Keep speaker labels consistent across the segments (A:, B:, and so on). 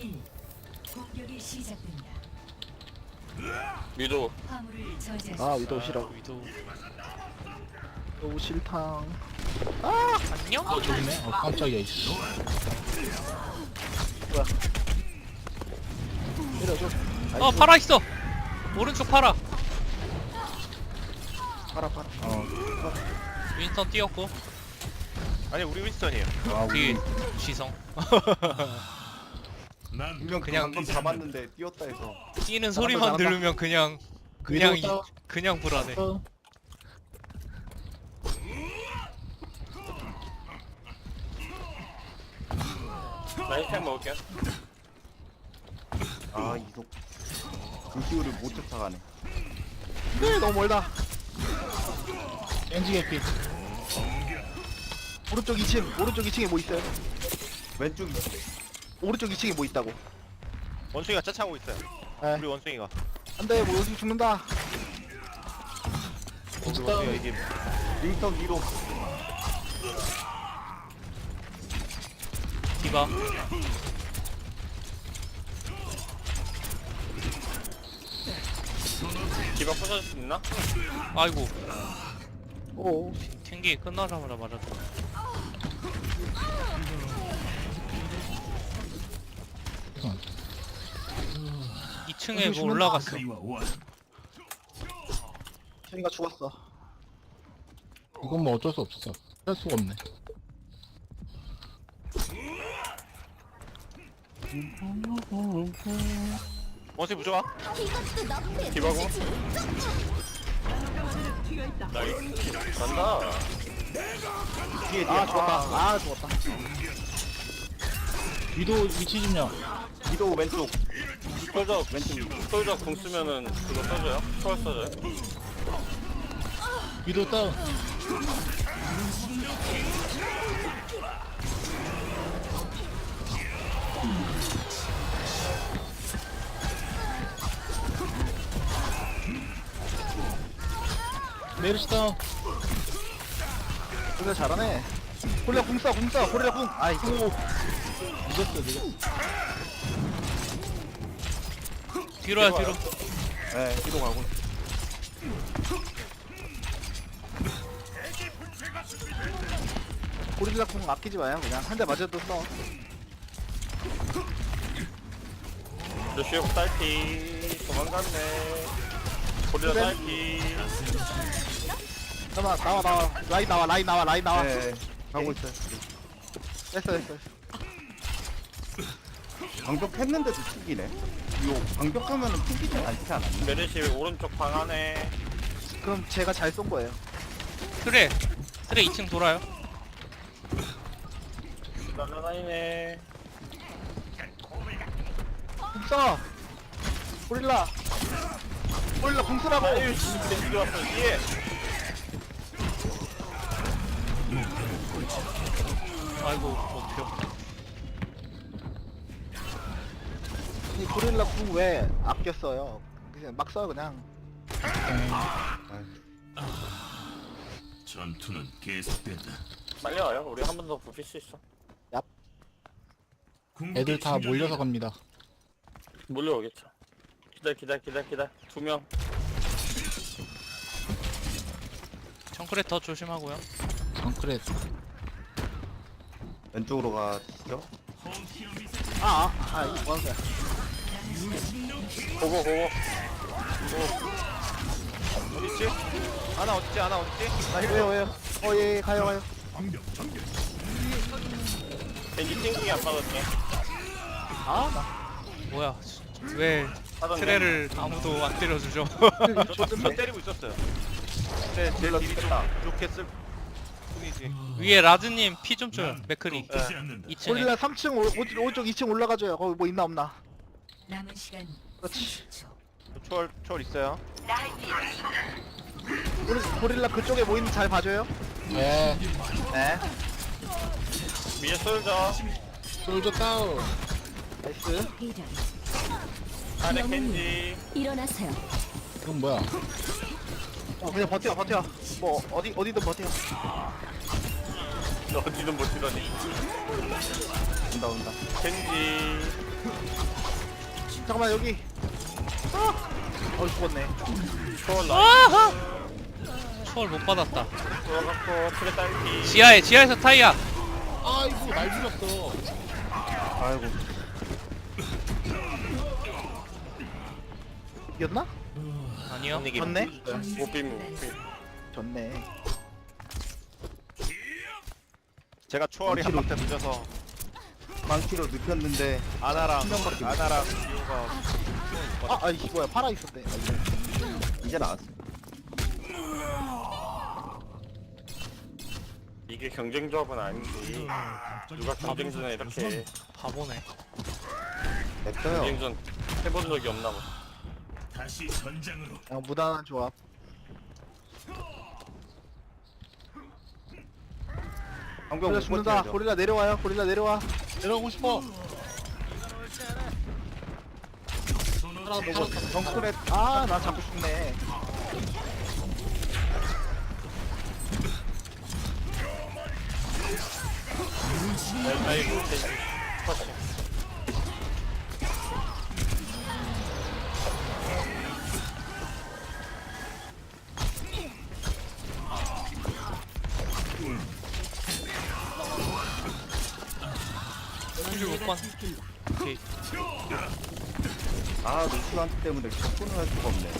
A: 공격이 시작됩니다.
B: 위도
A: 화물을 저지하십시오.
C: 아 위도우 싫어.
D: 위도.
C: 위도우 싫탕.
D: 안녕?
E: 저기 있네. 깜짝이야 이씨.
C: 때려줘.
D: 파라 있어. 오른쪽 파라.
C: 팔아.
D: 윈스턴 뛰었고
F: 아니 우리 윈스턴이에요.
E: 아
D: 뒤에
E: 우리
D: 지성.
G: 분명
D: 그냥
G: 방금 잡았는데 뛰었다 해서
D: 뛰는 소리만
C: 잘한다.
D: 들으면 그냥
E: 위도우
D: 그냥 불안해.
B: 나 힐팩 먹을게.
G: 아 이속 루시우를 못 쫓아가네.
C: 네 너무 멀다.
E: 엔지 개피.
C: 오른쪽 2층. 오른쪽 2층에 뭐 있어요?
G: 왼쪽이
C: 오른쪽 2층에 뭐 있다고?
F: 원숭이가 짜차고 있어요.
C: 에.
F: 우리 원숭이가.
C: 안돼 뭐 여기 죽는다.
F: 우리 원숭이가 이게
G: 링턴 위로
D: 디바.
B: 디바 부셔줄 수 있나?
D: 아이고
C: 오.
D: 튕기 끝나자마자 맞았다. 2층에 뭐 올라갔어.
C: 쟤가 죽었어.
E: 이건 뭐 어쩔 수 없었어. 할 수가 없네.
F: 원숭이 부조화?
B: 디바고. 나이스. 간다.
G: 뒤에
C: 아 죽었다. 아 죽었다.
E: 위도 위치 좀요.
G: 위도 왼쪽
B: 솔저 솔저 궁 쓰면은 그거 써줘요? 초월 써줘요?
E: 위도 다운. 메르시 다운.
C: 고릴라 잘하네. 고릴라 궁 쏴. 고릴라 궁. 아이고.
E: 늦었어 늦었어.
D: 뒤로야 뒤로.
G: 네 뒤로 가고
C: 고릴라 궁 아끼지 마요. 그냥 한 대 맞아도 써.
B: 루시오 딸피 도망갔네. 고릴라
C: 그래?
B: 딸피.
C: 나와. 라인 나와.
G: 네
C: 가고 있어요. 됐어.
G: 방벽했는데도 튕기네. 이거 방벽하면은 튕기지 않지 않았나?
B: 메르시 오른쪽 방 안에.
C: 그럼 제가 잘 쏜 거예요.
D: 트레 2층 돌아요.
B: 날라다니네.
C: 궁 쏴. 고릴라 궁 쓰라고.
B: 아유 씨, 겐지 왔어 뒤에.
D: 아이고 어떻게?
C: 이 고릴라 궁 왜 아꼈어요? 그냥 막 쏴요 그냥.
H: 전투는 계속된다.
B: 빨리 와요. 우리 한 번 더 부필 수 있어.
E: 애들 다 몰려서 갑니다.
B: 몰려오겠죠. 기다려. 2명.
D: 정크레 더 조심하고요.
E: 정크렛.
G: 왼쪽으로 가시죠.
C: 이거 뭐 하는 거야?
B: 고고.
F: 어딨지? 아나 어딨지?
C: 왜요? 예, 가요.
B: 겐지 띵킹이 안 맞았네.
D: 뭐야? 왜
B: 하던데.
D: 트레를 아무도 안 때려주죠?
F: 저 때리고 있었어요. 근데 제 딜이 좀 부족했을 뿐이지.
D: 위에 라즈님 피 좀 줘요. 맥크리
F: 네.
D: 2층에.
C: 고릴라 3층 오른쪽 2층 올라가줘요. 거기 뭐 있나 없나?
A: 남은 시간
C: 그렇지.
A: 30초.
F: 초월 있어요.
C: 고릴라 그쪽에 뭐 있는지 잘 봐줘요.
E: 예.
C: 네.
B: 위에 솔저.
E: 솔저 다운.
C: 나이스.
A: 이런
B: 안에 겐지.
A: 일어나세요.
E: 이건 뭐야?
C: 그냥 버텨. 뭐 어디든 버텨.
B: 어디든 못 뛰더니.
G: 온다.
B: 겐지.
C: 잠깐만 여기. 죽었네.
B: 초월 나.
D: 아하! 초월 못 받았다.
B: 들어갔고 트레 딸기.
D: 지하에서 타이야.
E: 아이고 날 죽였어.
G: 아이고.
C: 이겼나?
D: 아니요.
C: 졌네.
B: 못 비무.
C: 졌네.
F: 제가 초월이 한 박자 늦어서
G: 망치로 눕혔는데
F: 아나랑
G: 명밖에 못
F: 아나랑 디오가
C: 아이씨 뭐야 팔아 있었네.
G: 이제 나왔어.
B: 이게 경쟁 조합은 아니지. 누가 경쟁전에 이렇게 해.
D: 바보네.
G: 냅둬요.
B: 경쟁전 해본 적이 없나 봐.
C: 그냥 무난한 조합.
G: 방벽
C: 고릴라
G: 못
C: 죽는다.
G: 버텨야죠.
C: 고릴라 내려와요. 고릴라 내려와.
E: 내려가고 싶어.
G: 정크렛
C: 나 자꾸 죽네.
B: 아이고 겐지. 컷이.
D: 힐못 받. 오케이.
G: 아 루시한테 때문에 접근을 할 수가 없네.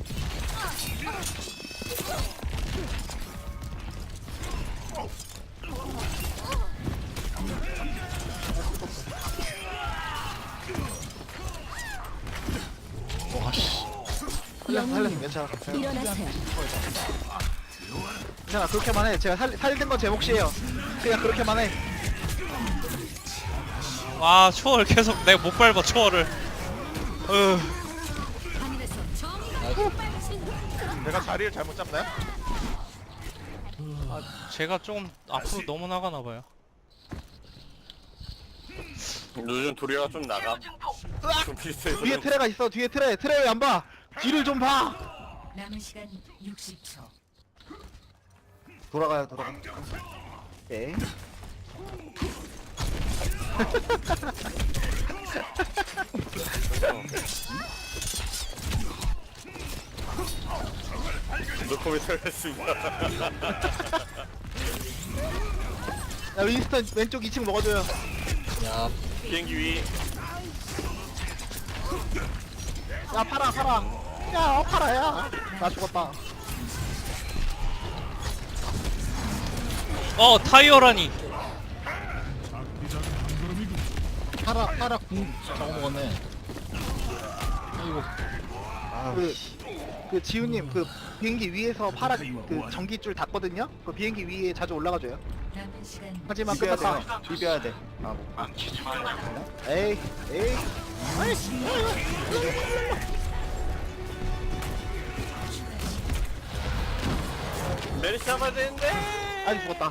C: 살렸어. 괜찮아. 괜찮아. 그렇게만 해. 제가 살린 건 제 몫이에요. 그냥 그렇게만 해.
D: 와 초월 계속 내가 못 밟아 초월을.
F: 내가 자리를 잘못 잡나요?
D: 제가 조금 앞으로 너무 나가나 봐요.
B: 요즘 도리가 좀 나가. 좀 비슷해서.
C: 뒤에 트레가 있어. 뒤에 트레. 트레 왜 안 봐? 뒤를 좀 봐.
A: 남은 시간 60초.
G: 돌아가.
C: 오케이.
B: 노코미 털렸습니다.
C: 야 윈스턴 왼쪽 2층 먹어줘요.
E: 야
B: 비행기 위.
C: 야 팔아. 야 팔아야. 나 죽었다.
D: 타이어라니.
E: 파라 궁 저거 먹었네. 아이고
C: 그 지우님 그 비행기 위에서 파라 그 전기줄 닿거든요. 그 비행기 위에 자주 올라가줘요.
A: 남은 시간
C: 하지만
G: 비벼야
C: 끝났다.
G: 돼. 비벼야 돼.
C: 에이.
B: 메리 잡아야 되는데.
C: 아이 죽었다.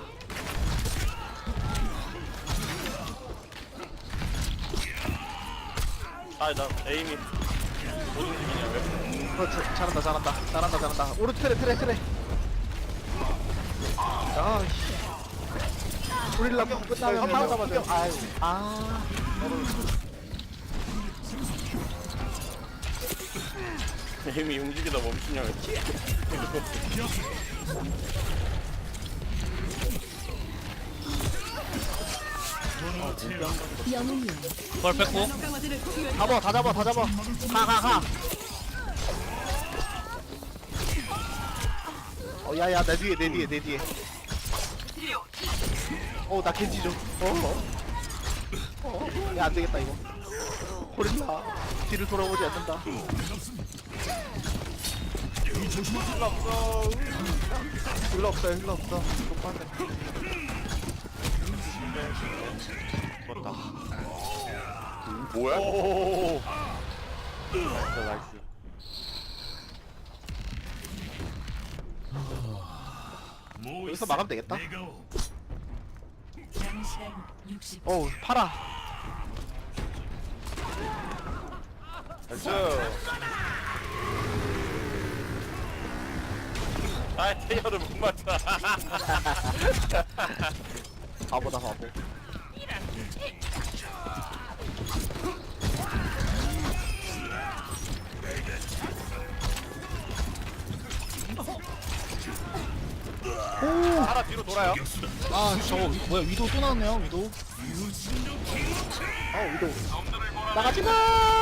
B: 나 에임이 못 움직이냐 왜?
C: 잘한다. 오른쪽 트레. 아씨. 고릴라 끝나면 바로 잡아줘.
B: 에임이 움직이다 멈추냐 왜?
D: 부활 뺐고.
C: 다 잡아. 가. 야야 내 뒤에. 나 겐지 좀. 야 안되겠다 이거. 고릴라 뒤를 돌아보지 않는다.
G: 힐러 없어요. 똑바로.
B: 뭐야?
F: 나이스.
C: 여기서 막으면 되겠다.
A: 남은 시간 60초.
C: 어우 팔아.
F: 나이스.
B: 테이어를 못 맞춰.
C: 바보다 바보.
F: 하나 뒤로 돌아요.
E: 아 저거 뭐야 위도 또 나왔네요 위도.
C: 위도. 나가지 마.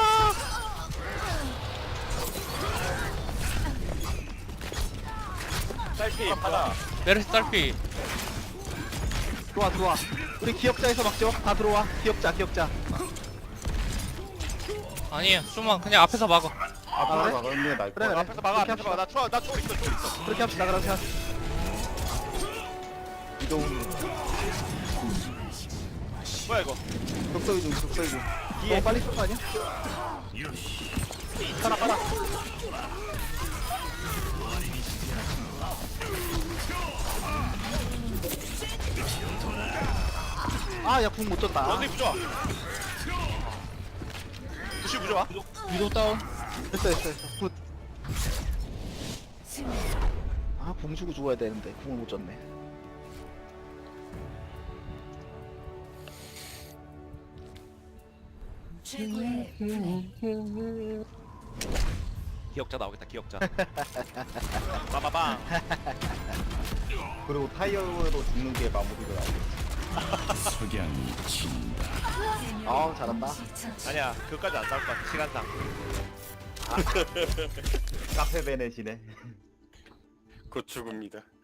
B: 딸피 하나.
D: 메르시 딸피.
C: 들어와. 우리 기억자에서 막죠. 다 들어와. 기억자.
D: 아니에요. 좀만 그냥 앞에서 막어.
G: 앞으로
C: 그래?
G: 나가는 게 나을
C: 그래,
G: 거야.
C: 그래.
F: 앞에서 막아, 앞에서 막아. 나 초월 있어.
C: 그렇게 합시다. 그렇게 합시다.
G: 이동
F: 뭐야 이거?
G: 독서 이동.
C: 너무 빨리 쓴 거 아니야? 빨아. 야, 궁 못 줬다.
F: 원숭이 부좋아. 부시 부좋아.
E: 위도 다운.
C: 됐어. 굿. 궁 주고 죽어야 되는데 궁을 못 줬네.
A: 최고의 플레이.
F: 기억자 나오겠다. 기억자. 빠바방.
G: 그리고 타이어로 죽는 게 마무리가 나오고.
C: 잘한다.
F: 아니야, 그까지 안 나올 것 같아. 시간상.
G: 카페 베넷이네.
B: 곧 죽습니다.